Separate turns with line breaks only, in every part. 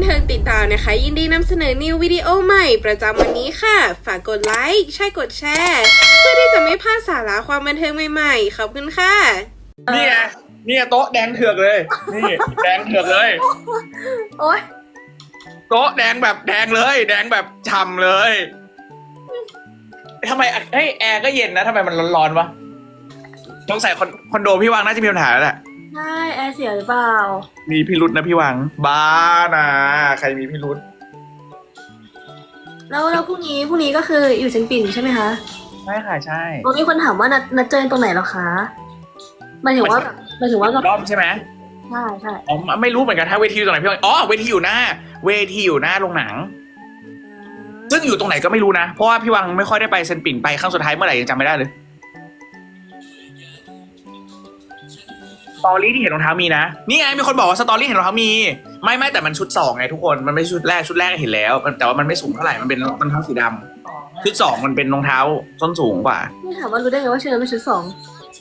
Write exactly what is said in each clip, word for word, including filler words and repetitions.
เทิงติดตามนะคะยินดีนำเสนอนิววิดีโอใหม่ประจำวันนี้ค่ะฝากกดไลค์ใช่กดแชร์เพื่อที่จะไม่พลาดสาระความบันเทิงใหม่ๆขอบคุณค่ะ
นี่ไงนี่โต๊ะแดงเถือกเลยนี่แดงเถือกเลย
โอ๊ย
โต๊ะแดงแบบแดงเลยแดงแบบฉ่ำเลยทำไมเฮ้ยแอร์ก็เย็นนะทำไมมันร้อนๆวะต้องใส่คอนโดพี่วังน่าจะมีปัญหาแล้วแหละ
ใช่แอร์เสียหรือเปล่า
มีพิรุษนะพี่วังบ้านะใครมีพิรุษ
แล้วแล้วพรุ่งนี้พรุ่งนี้ก็คืออยู่เชียงปิ่นใช่ไหมคะ
ใช่ค่ะใช่
วันนี้คนถามว่านัดนัดเจอตรงไหนหรอคะหมายถึงว่าแบบหมายถึงว่าแบบ
รอบใช่ไหม
ใช่ใช่
อ๋อไม่รู้เหมือนกันถ้าเวทีอยู่ตรงไหนพี่วังอ๋อเวทีอยู่หน้าเวทีอยู่หน้าโรงหนังซึ่งอยู่ตรงไหนก็ไม่รู้นะเพราะว่าพี่วังไม่ค่อยได้ไปเซนปิ่นไปครั้งสุดท้ายเมื่อไหร่ยังจำไม่ได้เลยสตอรี่ที่เห็นรองเท้ามีนะนี่ไงมีคนบอกว่าสตอรี่เห็นรองเท้ามีไม่ไม่แต่มันชุดสองไงทุกคนมันไม่ชุดแรกชุดแรกเห็นแล้วแต่ว่ามันไม่สูงเท่าไหร่มันเป็นรองเท้าสีดำชุดสองมันเป็นรองเท้าส้นสูงกว่า
นี่ถามว่ารู้ได้ไงว่าชุดนั้นเป็นชุดสอง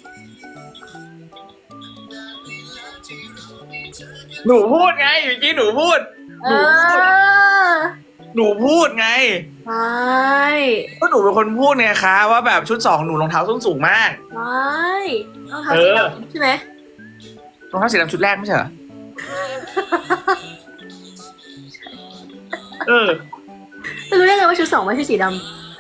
หนูพูดไงเมื่อกี้หนูพูดหนูพูดหนูพูดไง
ใช่
ก็หนูเป็นคนพูดไงคะว่าแบบชุดสองหนูรองเท้าส้นสูงมาก
ใช่รองเท้าสีดำใช่ไหม
รองเท้าสีดำชุดแรกไม่ใช่เหรอเออ
จะรู้ได้ไงว่าชุดสองไม่ใช่สีด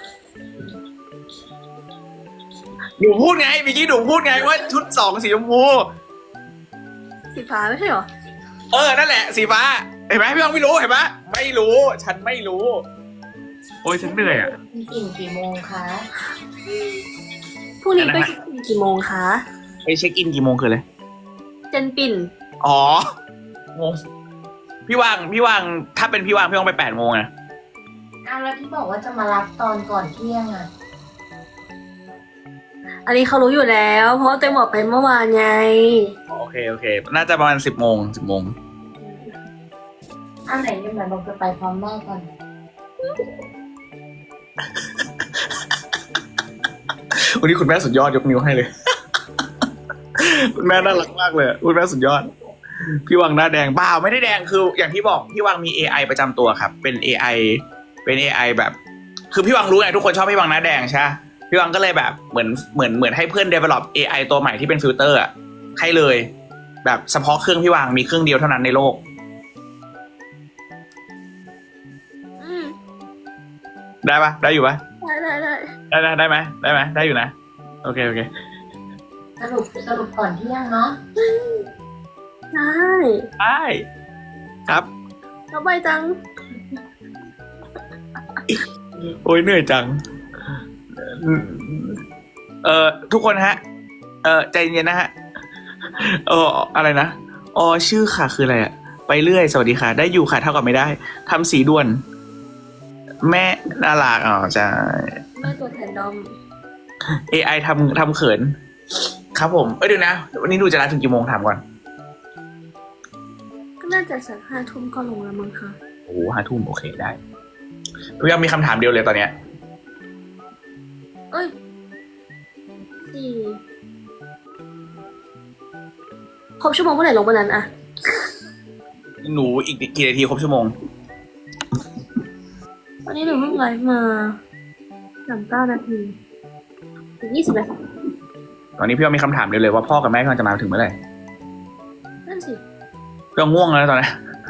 ำหนูพูดไงเมื่อกี้หนูพูดไงว่าชุดสองสีชมพู
สีฟ้าไม่ใช่เหรอ
เออนั่นแหละสีฟ้าเห็นไหมพี่วังไม่รู้เห็นไหมไม่รู้ฉันไม่รู้โอ้ยฉันเหนื่อยอ่ะ
กี่กี่โมงคะพรุ่งนี้ไปเช็คอินกี่โมงคะ
ไปเช็คอินกี่โมงคืออะไร
เจนปิ่น
อ๋องงพี่วังพี่วังถ้าเป็นพี่วังพี่วังไปแปดโมงไง
อ้าวแล้วที่บอกว่าจะมารับตอนก่อนเที่ยงอ่ะ
อันนี้เขารู้อยู่แล้วเพราะเต็มบอกไปเมื่อวานไง
โอเคโอเคน่าจะประมาณสิบโมงสิบโมง
อันไหนยังไงบอกจะไปพร้อมแม่ก่อน
วันนี้คุณแม่สุดยอดยกนิ้วให้เลยคุณแม่น่ารักมากเลยคุณแม่สุดยอดพี่วังหน้าแดงบ้าไม่ได้แดงคืออย่างที่บอกพี่วังมี เอ ไอ ประจำตัวครับเป็น เอ ไอ เป็น เอ ไอ แบบคือพี่วังรู้ไงทุกคนชอบพี่วังหน้าแดงใช่พี่วังก็เลยแบบเหมือนเหมือนเหมือนให้เพื่อน develop เอ ไอ ตัวใหม่ที่เป็นฟิลเตอร์อ่ะให้เลยแบบเฉพาะเครื่องพี่วังมีเครื่องเดียวเท่านั้นในโลกได้ปะได้อยู่ปะ
ได้ได้ได้
ได้ได้ได้ไหมได้ไหมได้อยู่นะโอเคโอเค
สรุปสรุปก่อนเที่ยงเนาะ
ได้
ได้ครับ
สบายจัง
โอ้ยเหนื่อยจังเอ่อทุกคนฮะเอ่อใจเย็นนะฮะเอออะไรนะอ๋อชื่อค่ะคืออะไรอะไปเรื่อยสวัสดีค่ะได้อยู่ค่ะเท่ากับไม่ได้ทำสีด่วนแม่น่ารักอ๋อใช่
แม่ตัวแทนดอม
เอ ไอ ทำทำเขินครับผมเอ้ยเดี๋ยวนะวันนี้ดูจะรัดถึงกี่โมงถามก่อน
ก็น่าจะสักห้าทุ่มก็ลงแล้วมั้งคะ
โอ้ห้าทุ่มโอเคได้พี่ยังมีคำถามเดียวเลยตอนเนี้ย
เอ้ยสี่ครบชั่วโมงเมื่อไหร่ลงวันนั้นอะ
หนูอีกกี่นาทีครบชั่วโมง
วันนี้หนูเพิ่งไลฟ์มาสามเก้านาทีถึงยี่สิบนาที
ตอนนี้พี่ว่ามีคำถามเดียวเลยว่าพ่อกับแม่กำลังจะมาถึงเมื่อไหร่
นั่นสิ
ก็ง่วงแล้วตอนนี้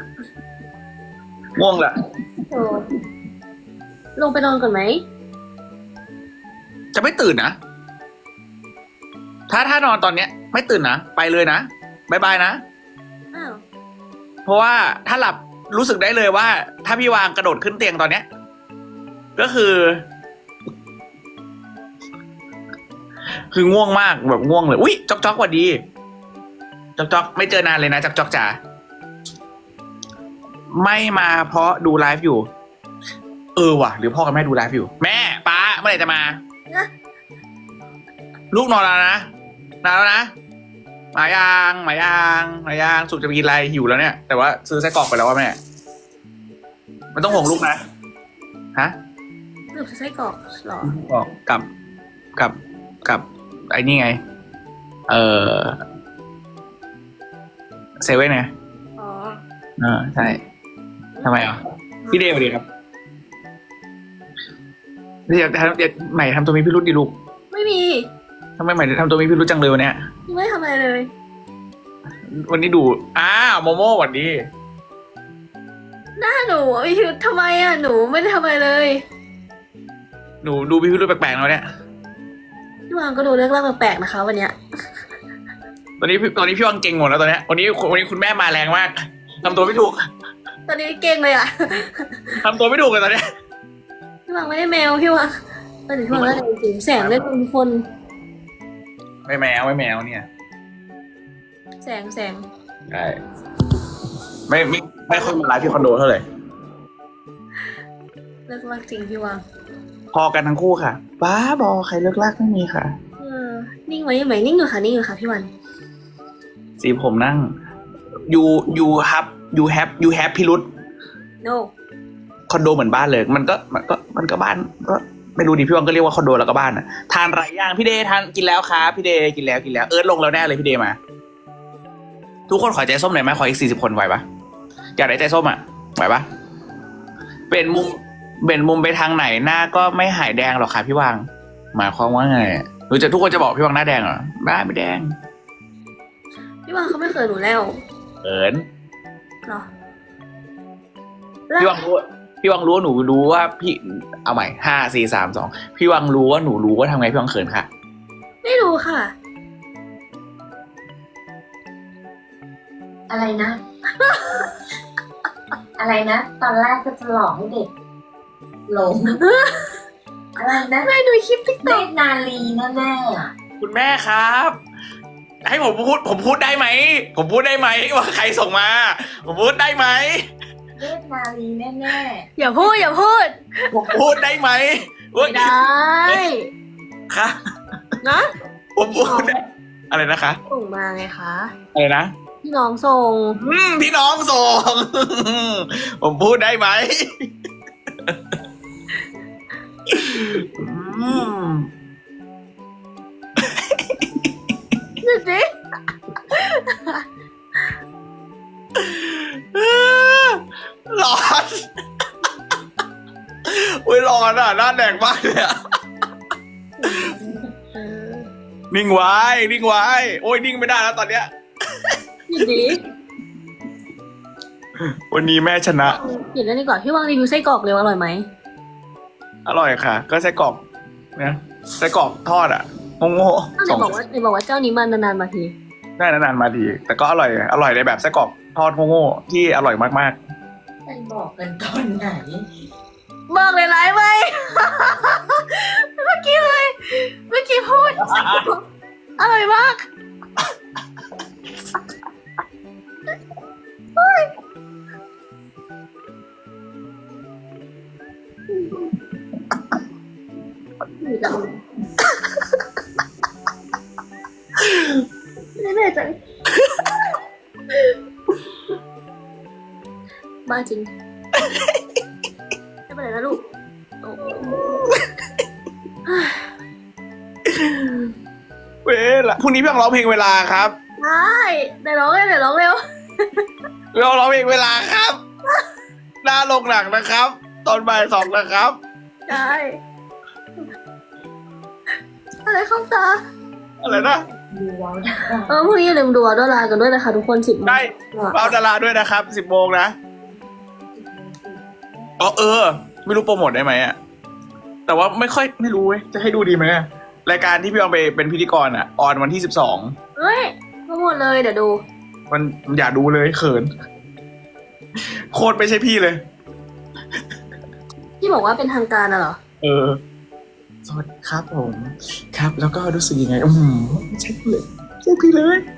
ง่วงแหละ
โอ้ลงไปนอนก่อนไหม
จะไม่ตื่นนะถ้าถ้านอนตอนเนี้ยไม่ตื่นนะไปเลยนะบายบายนะ
อ้าว
เพราะว่าถ้าหลับรู้สึกได้เลยว่าถ้าพี่วางกระโดดขึ้นเตียงตอนเนี้ยก็คือ คือง่วงมากแบบง่วงเลยอุ๊ยจ๊อกจ๊อกสวัสดีจ๊อกจ๊อกไม่เจอนานเลยนะจ๊อกจ๊อกจ๋าไม่มาเพราะดูไลฟ์อยู่เออว่ะหรือพ่อกับแม่ดูไลฟ์อยู่แม่ป้าเมื่อไหร่จะมาลูกนอนแล้วนะนานแล้วนะหมายางหมายางหมายางสุกจะไปกินอะไรหิวแล้วเนี่ยแต่ว่าซื้อไส้กรอกไปแล้วว่าแม่มันต้องห่วงลูกนะฮะ
หรือไส้กรอกหรอ
กับกับกับไอ้นี่ไงเออเซเว่นไงอ๋ออ่าใช่ทำไมอ่ะพี่เดย์สวัสดีครับเดี๋ยวทำเดี๋ยวใหม่ทำตัวมีพิรุธดิลูก
ไม่มี
ทำไมใหม่ทำตัวมีพิรุธจังเลยวันเนี้ย
ไม่ทำอะไรเลย
วันนี้ดูอ้าวโมโม่สวัสดี
หน้าหนูอะพี่ทำไมอ่ะหนูไม่ได้ทำอะไรเลย
หนูดูมีพิรุธแปลกๆแล้วเนี่ย
พี่วางก็ดูเรื่องราวแปลกๆนะคะ วันเนี้ย
ตอนนี้พี่ตอนนี้พี่วังเก่งหมดแล้วตอนเนี้ยวันนี้วันนี้คุณแม่มาแรงมากทำตัวไม่ถูก
ตอนนี้เก่งเลยอ่ะ
ทำตัวไม่ถูกเลยตอนเนี้ย
พี่วางไม่ได้แมวพี่วางตอนนี้พี่วางได้จริงๆแสงได้ทุกคน
ไม่แมวไม่แมวเนี่ย
แสงแสง
ใช่ไม่ไม่ไม่ค่อยมาไลฟ์ที่คอนโดเท่าไหร่
เลิกรักจริงพี่วาง
พอกันทั้งคู่ค่ะบ้าบอใครเลิกลากไม่มีค่ะ
เออนิ่งไว้ยังไงนิ่งอยู่ค่ะนิ่งอยู่ค่ะพี่วัน
สีผมนั่ง you you have you have you have พิรุธ
no
คอนโดเหมือนบ้านเลย มันก็มันก็มันก็บ้านก็ไม่รู้ดิพี่วังก็เรียกว่าคอนโดแล้วก็บ้านอ่ะทานไรย่างพี่เดย์ทานกินแล้วครับพี่เดย์กินแล้วกินแล้วเอิร์ธลงแล้วแน่เลยพี่เดย์มา ทุกคนขอใจส้มหน่อยไหมขออีกสี่สิบคนไหวปะอยากได้ใจส้มอ่ะไหวปะเป็นมุมเป็นมุมไปทางไหนหน้าก็ไม่หายแดงหรอกค่ะพี่วังหมายความว่าไงหรือจะทุกคนจะบอกพี่วังหน้าแดงเหรอบ้าไม่แดง
พี่วางเขาไม่เคยหนูแล้ว
เอิญ
เหรอ
พี่วังรู้พี่วังรู้ว่าหนูรู้ว่าพี่เอาใหม่ห้าสี่สามสองพี่วังรู้ว่าหนูรู้ว่าทำไงพี่วังเขินค่ะ
ไม่รู้ค่ะ
อะไรนะ อะไรนะ ตอนแรกก็จะหลอกให้เด็กหลง อะไรนะ
ไม่ดูคลิปติ๊ก
เน
ต็อก
ตรนาลีแน่ๆอะ
คุณแม่ครับ ให้ผมพูดผมพูดได้ไหมผมพูดได้ไหมว่าใครส่งมา ผมพูดได้ไหม
เนตรนาลีแน่
อย่าพูดอย่าพูด
ผมพูดได้ไหม
ไม่ได้
ค่ะ
นะ
ผมพูดได้อะไรนะคะ
ส่งมาไงคะ
อะไรนะ
พี่น้องส่ง
อืมพี่น้องส่ง ผมพูดได้ไหมอืม
ดูสิ
ร้อนอุ้ยร้อนอ่ะหน้าแดงมากเลยอ่ะ
เออ
นิ่งไว้นิ่งไว้โอ้ยนิ่งไม่ได้แล้วตอนเนี้ย
ดูสิ
วันนี้แม่ชนะ
หยุดแล้วดีกว่าพี่วางรีวิวไส้กรอกเร็วอร่อยไหม
อร่อยค่ะ ก็ไส้กรอกนะไส้กรอกทอดอ่ะโง่ๆ
อ้าวไห
ส
น
อง
บอกว่าไหนบอกว่าเจ้านี้มันนานๆมาที
ได้นานๆมาทีแต่ก็อร่อยอร่อยในแบบไส้กรอกทอดโง่ๆที่อร่อยมาก
ๆไปบอกกันตอนไหน
บอกเลยไลฟ์ไหม เมื่อกี้เลย เมื่อกี้พูด อร่อยมากเฮ้ยไม่แน่ใจบ้าจริง ไม่เป็นไรนะลูกโอ้
ๆเว้ยละพรุ่งนี้พี่ต้องร้องเพลงเวลาครับ
ได้เดี๋ยวร้องเลยเดี๋ยวร้องเร็ว
พี่ต้องร้องเพลงเวลาครับ หน้าลงหนังนะครับ ตอนบ่ายสองนะครับ
ได้อะไรเข้าตา
อะไรนะ
ดูว้าว
เออพรุ่งนี้อย่าลืมดูอัลดอลากันด้วยนะคะทุกคนสิบโมง
ได้เอาดาราด้วยนะครับสิบโมงนะอ๋อเออ ไม่รู้โปรโมทได้ไหมอ่ะแต่ว่าไม่ค่อยไม่รู้เว้ยจะให้ดูดีไหมอะรายการที่พี่อองไปเป็นพิธีกรอ่ะออนวันที่สิบสอง
เฮ้ยมาหมดเลยเดี๋ยวดู
มันอย่าดูเลยเขิน โคตรไม่ใช่พี่เลย
ที่บอกว่าเป็นทางการอะเหรอ
เออ สวัสดีครับผม ครับ แล้วก็รู้สึกยังไง อืมไม่ใช่พี่เลยไม่ใช่พี่เลย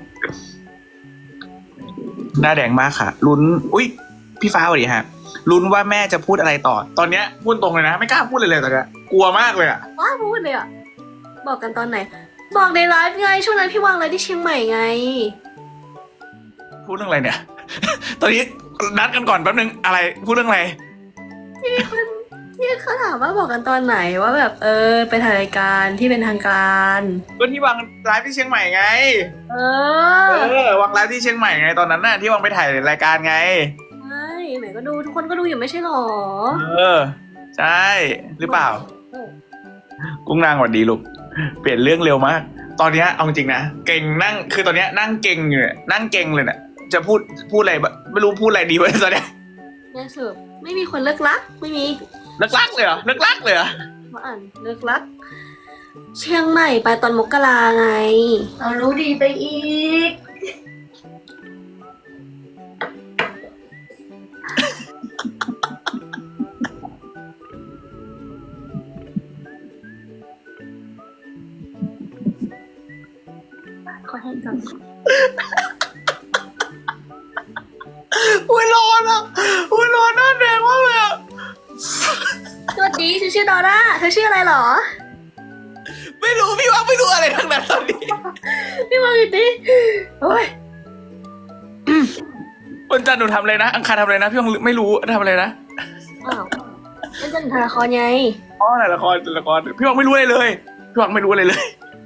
หน้าแดงมากค่ะ ลุ้น อุ้ยพี่ฟ้าสวัสดีฮะลุ้นว่าแม่จะพูดอะไรต่อ ตอนเนี้ยพูดตรงเลยนะ ไม่กล้าพูดเลยเลยตอนเนี้ยกลัวมากเลยอะ
ว้าพูดเลยอะบอกกันตอนไหน บอกในไลฟ์ไงช่วงนั้นพี่วางไลฟ์ที่เชียงใหม่ไง
พูดเรื่องอะไรเนี่ย ตอนนี้นัดกันก่อนแป๊บนึง อะไร พูดเรื่องอะไร
ที่มีคนที่เขาถามว่าบอกกันตอนไหนว่าแบบเออไปถ่ายรายการที่เป็นทางการ
ก็ที่วางไลฟ์ที่เชียงใหม่ไง
เอ
เอ
อ
อวางไลฟ์ที่เชียงใหม่ไงตอนนั้นน่ะที่วางไปถ่ายรายการไง
ใช่ไหนก็ดูทุกคนก็ดูอยู่ไม่ใช่หรอ
เออ ใช่หรือเปล่า กุ้งนางสวัสดีลูกเปลี่ยนเรื่องเร็วมาก ตอนเนี้ยเอาจริงนะเก่งนั่งคือตอนเนี้ยนั่งเก่งอยู่เนี่ยนั่งเก่งเลยเนี่ยจะพูดพูดอะไรแบบไม่รู้พูดอะไรดีวะตอนเนี้ย
แม่เสิร์ฟไม่มีคนเลิกรักไม่มี
เลิกรักเลยเหรอเลิกรักเลยเหรอ
มาอ่านเลิกรัก เชียงใหม่ไปตอนมกราไง
เอารู้ดีไปอีก
ขอให้ก่อน
อุ้ยร้อนอ่ะอุ้ยร้อนหน้าแดงมากเลยอ่ะ
สวัสดีฉันชื่อดอร่าเธอชื่ออะไรหรอ
ไม่รู้พี่ว่าไม่รู้อะไรทั้งนั้นตอนนี้
พี่มาดิโอ้ย
วันจันทร์หนูทำอะไรนะอังคารทำอะไรนะพี่ยังไม่รู้ทำอะไรนะ
อ้าวนั่นจะถ่ายละครไง
อ๋อถ่ายละครถ่ายละครพี่วังไม่รู้อะไรเลยพี่วังไม่รู้อะไรเลย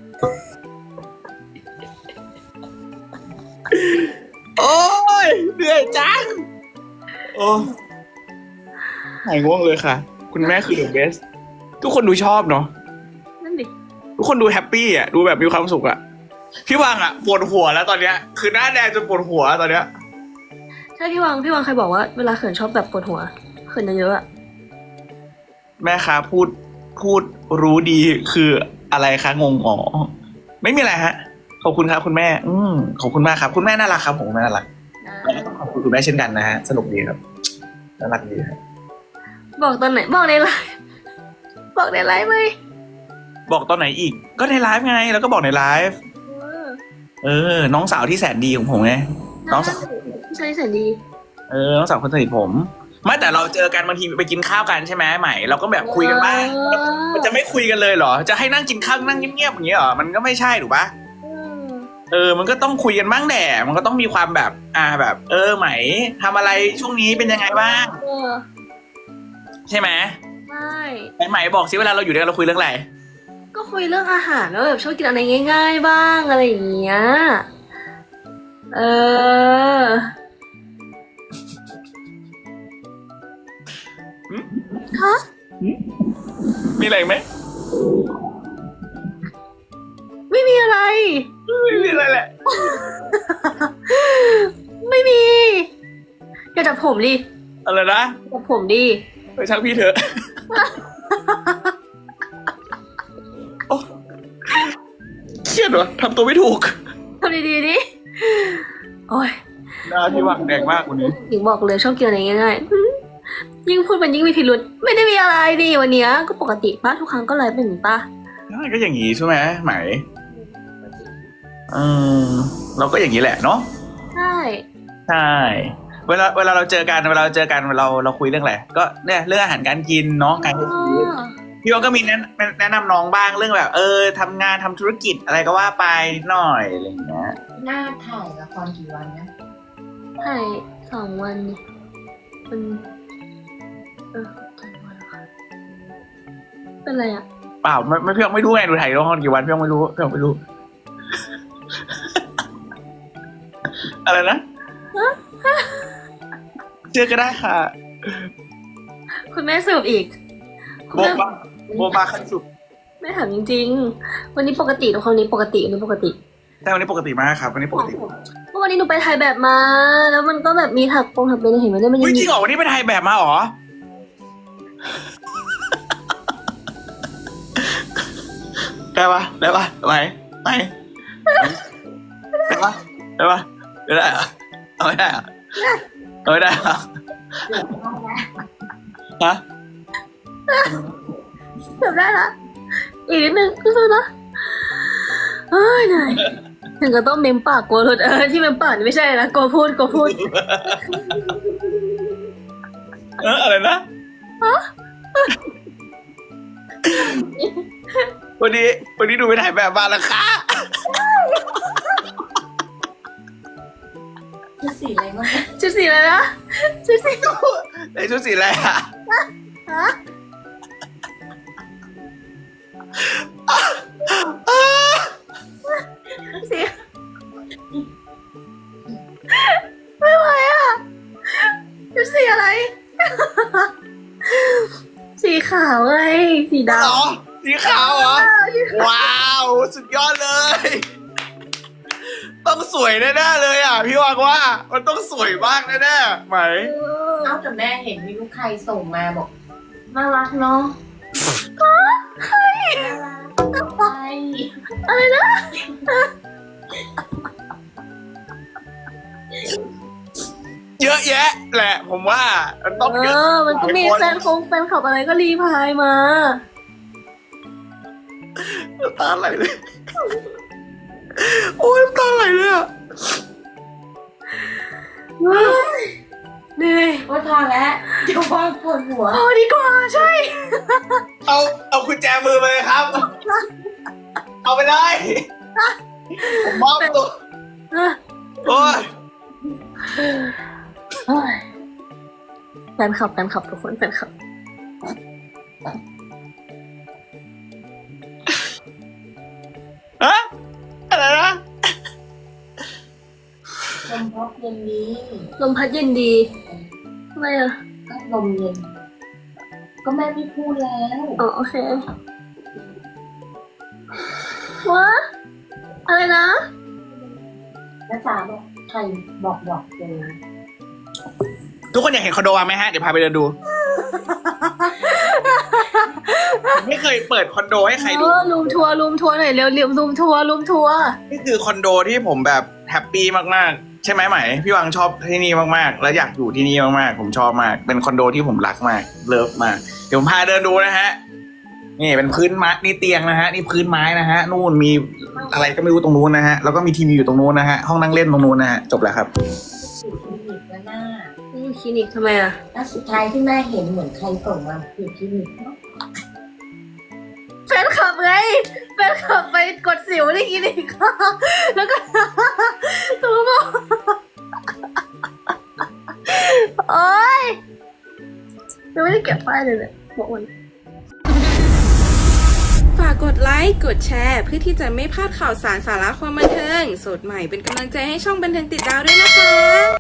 โอ้ยเหนื่อยจังโอ้หายง่วงเลยค่ะ คุณแม่คือ the best ทุกคนดูชอบเนาะ
นั่นดิ
ทุกคนดูแฮปปี้อ่ะดูแบบมีความสุขอ่ะพี่วังอ่ะปวดหัวแล้วตอนเนี้ยคือหน้าแดงจนปวดหัวตอนเนี้ย
ใช่พี่วังพี่วังเคยบอกว่าเวลาเขินชอบแบบปวดหัวเขินเยอะๆอะ
แม่คะพูดพูดรู้ดีคืออะไรคะงงอ๋อไม่มีอะไรฮะขอบคุณครับคุณแม่ อืมขอบคุณมากครับ คุณแม่น่ารักครับผมคุณแม่น่ารัก ขอบคุณคุณแม่เช่นกันนะฮะสนุกดีครับน่ารักดีครับ
บอกตอนไหนบอกในไลฟ์บอกในไลฟ์ไหม
บอกตอนไหนอีก ก็ในไลฟ์ไงแล้วก็บอกในไลฟ์
เออ
เออ น้องสาวที่แสนดีของผมไง น้องสาว
ใช่แสนดี
เออน้องสาวคนสนิทผมไม่แต่เราเจอกันบางทีไปกินข้าวกันใช่ไหมใหม่เราก็แบบคุยกันบ้างมันจะไม่คุยกันเลยเหรอจะให้นั่งกินข้าวนั่งเงียบๆอย่างเงี้ยเหรอมันก็ไม่ใช่ถูกปะ
เออ
เออ มันก็ต้องคุยกันบ้างแหละมันก็ต้องมีความแบบ อ่า แบบ เออ ไหมทำอะไรช่วงนี้เป็นยังไงบ้าง
เออ
ใช่ไหม
ใช่
ไหมไหมบอกสิเวลาเราอยู่ด้วยกันเราคุยเรื่องอะไร
ก็คุยเรื่องอาหารแล้วแบบชอบกินอะไรง่าย ๆ บ้างอะไรอย่างเงี้ยเออ ฮะ
มีอะไรไหม
ไม่มีอะไร
ไม่มีอะไรแหละ
ไม่มี อย่าจับผมดิ
อะไรนะ
จับผมดิ
ไปช่างพี่เถอะ โอ้เครียดเหรอทำตัวไม่ถูก
ทำดีๆดิโอ้ย
หน้าพี่หวังแดงมากวันนี้
หญิงบอกเลยชอบกินอะไรง่ายๆอืมยิ่งพูดมันยิ่งมีพิรุษไม่ได้มีอะไรดิวันเนี้ยก็ปกติป้าทุกครั้งก็ไลฟ์เป็นอย่างนี้ป้า
ใช่ก็อย่างนี้ใช่ไหมไหมเออเราก็อย่างนี้แหละเนาะ
ใช่
ใช่ เวลาเวลาเราเจอกันเวลาเราเจอกันเราเราคุยเรื่องอะไรก็เนี่ยเรื่องอาหารการกินเนาะการใช้ชีวิตพี่ว่าก็มีแนะแนะนำน้องบ้างเรื่องแบบ เออทำงานทำธุรกิจอะไรก็ว่าไปหน่อยอะไรอย่างเงี้ย
หน้าถ่ายละครกี่วันนะ
ถ่ายสองวันนี่มันเออสองวันค่ะเป็นไรอ่ะ
เปล่าไม่ไม่พี่ยังไม่รู้ไงดูถ่ายละครกี่วันพี่ยังไม่รู้พี่ยังไม่รู้ อะไรนะเจอก็ได้ค่ะ
คุณแม่สืบอีกคุณ
โบ
แม่
บาโบบาขั้นสุด
แม่ถามจริงๆ วันนี้ปกติทุกคนนี้ปกติวันนี้ปกติ
แต่วันนี้ปกติมากครับวันนี้ปกติ
เมื่อวันนี้หนูไปถ่ายแบบมา แล้วมันก็แบบมีถักปงถักเป็นเห็นไหมเนี่ยมันยั
อุ้ย
ง
จ
มี
ริงเหรอวันนี้ไปถ่ายแบบมาเหรอได้ปะได้ปะไหมไหมได้ปะได้ปะไม่ได้เหรอเอาไม่ได้เหรอเอาไม่ได้เหรอฮะ
แบบได้ละอีกนิดนึงสู้ๆนะเฮ้ยเหนื่อยถึงก็ต้องเมมปากกลัวหลุดเออที่เมมปากนี่ไม่ใช่นะกลัวพูดกลัวพูด
เอออะไรนะวันนี้วันนี้ดูไปถ่ายแบบมาแล้วค่ะ
ชุดสีอะไรบ้างนะ
ชุดสีอะไรนะชุดสี
ในชุดสีอะไรอ่ะ
ฮะสีไม่ไหวอ่ะชุดสีอะไรขาวไงสีด
เหรอสีขาวเหรอ ว้าว สุดยอดเลย ต้องสวยแน่ๆเลยอ่ะ พี่วังว่า มันต้องสวยมากแน่ๆไหม
ำ
เอ้าแต่แม่เห็นมีลูกใครส่งมาบอกน่ารักเนาะใครน่ารักใคร
อะไรนะ
เยอะแยะแหละ ผมว่า มันต้อง
เอ
เยอะ
อ มันก็มีแฟนคงแฟนคลับอะไรก็รีพายมา
น้ำตาไหลเลย โอ้ยน้ำตาไหลเลยอ่ะ
เหนื่อย
ว่าพอแล้วเดี๋ยวว่างปวดหัว
พอดีกว่าใช่
เอา เอากุญแจมือมาเลยครับ เอาไปเลยผมมอบตัว โอ้ย
เฮ้ยแฟนคลับแฟนคลับทุกคนแฟนคลับ
ฮะ อะไรนะ
ลมพัดเย็นนี้
ลมพัดเย็นดีทำไมอ่ะ
ก็ลมเย็น ก็แม่ไม่พูดแล้ว
อ๋อโอเค วะ อะไรนะ
น้าจ๋าบอกใครบอกบอกเจอ
ทุกคนอยากเห็นคอนโดวังไหมฮะ เดี๋ยวพาไปเดินดู ผมไม่เคยเปิดคอนโดให้ใครดู
เออรูมทัวร์รูมทัวร์หน่อยเร็วเร็วรูมทัวร์รูมทัวร์
นี่คือคอนโดที่ผมแบบแฮปปี้มากๆ ใช่ไหมไหม พี่วังชอบที่นี่มากๆ แล้วอยากอยู่ที่นี่มากๆ ผมชอบมาก เป็นคอนโดที่ผมรักมาก เลิฟมาก เดี๋ยวผมพาเดินดูนะฮะ นี่เป็นพื้นไม้นี่เตียงนะฮะ นี่พื้นไม้นะฮะ นู่นมีอะไรก็ไม่รู้ตรงนู้นนะฮะ แล้วก็มีทีวีอยู่ตรงนู้นนะฮะ ห้องนั่งเล่นตรงนู้นนะฮะ จบแล้วครับ
อยู่คลินิกแล้วหน้า
อืมคลินิกทำไมอ่ะ
แล้วสุดท้ายที่แม่เห็นเหมือนใครส่งมาคือคลินิกเนาะ
แฟนคลับไงแฟนคลับไปกดสิวในคลินิก แล้วก็ ตัวบอกโอ๊ยยังไม่ได้เก็บไฟล์เลยเนี่ยบอกวัน
ฝากกดไลค์ กดแชร์ เพื่อที่จะไม่พลาดข่าวสารสาระความบันเทิง สดใหม่เป็นกำลังใจให้ช่องบันเทิงติดดาวด้วยนะคะ